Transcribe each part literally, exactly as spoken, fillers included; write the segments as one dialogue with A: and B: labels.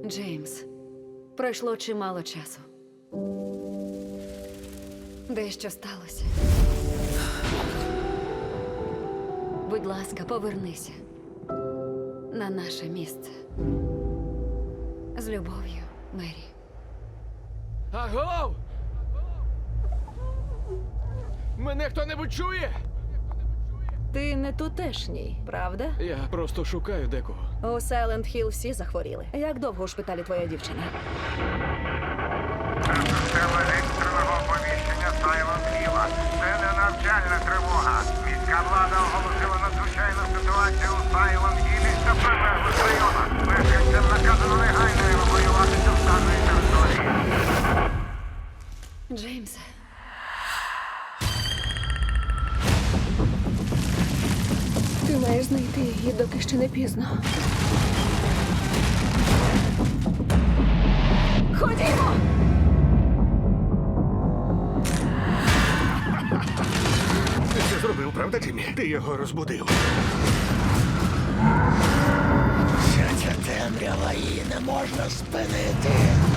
A: Джеймс, пройшло чимало часу. Дещо сталося. Будь ласка, повернися на наше місце. З любов'ю, Мері.
B: Агов! Мене хто-небудь чує?
C: Ти не тутешній, правда?
B: Я просто шукаю декого.
C: У Сайленд Хілл всі захворіли. Як довго у шпиталі твоя дівчина?
D: Це система екстреного оповіщення Silent Hill. Це не навчальна тривога. Міська влада оголосила надзвичайну ситуацію у Silent Hill та прилеглих районах. Мешканцям наказано негайно евакуюватися з даної території.
A: Джеймсе.
C: Ти маєш знайти її, доки ще не пізно. Ходімо!
E: Ти це зробив, правда, Тіммі? Ти його розбудив.
F: Вся ця темрява, її не можна спинити.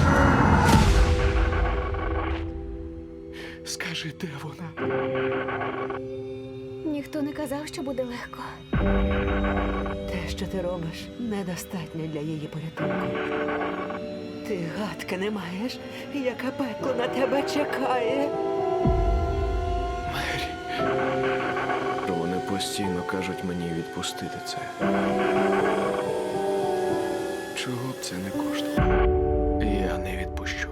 E: Скажи, де вона?
C: Ніхто не казав, що буде легко.
G: Те, що ти робиш, недостатньо для її порятунку. Ти гадки не маєш, яке пекло на тебе чекає.
B: Мері. Вони постійно кажуть мені відпустити це. Чого б це не коштувало? Я не відпущу.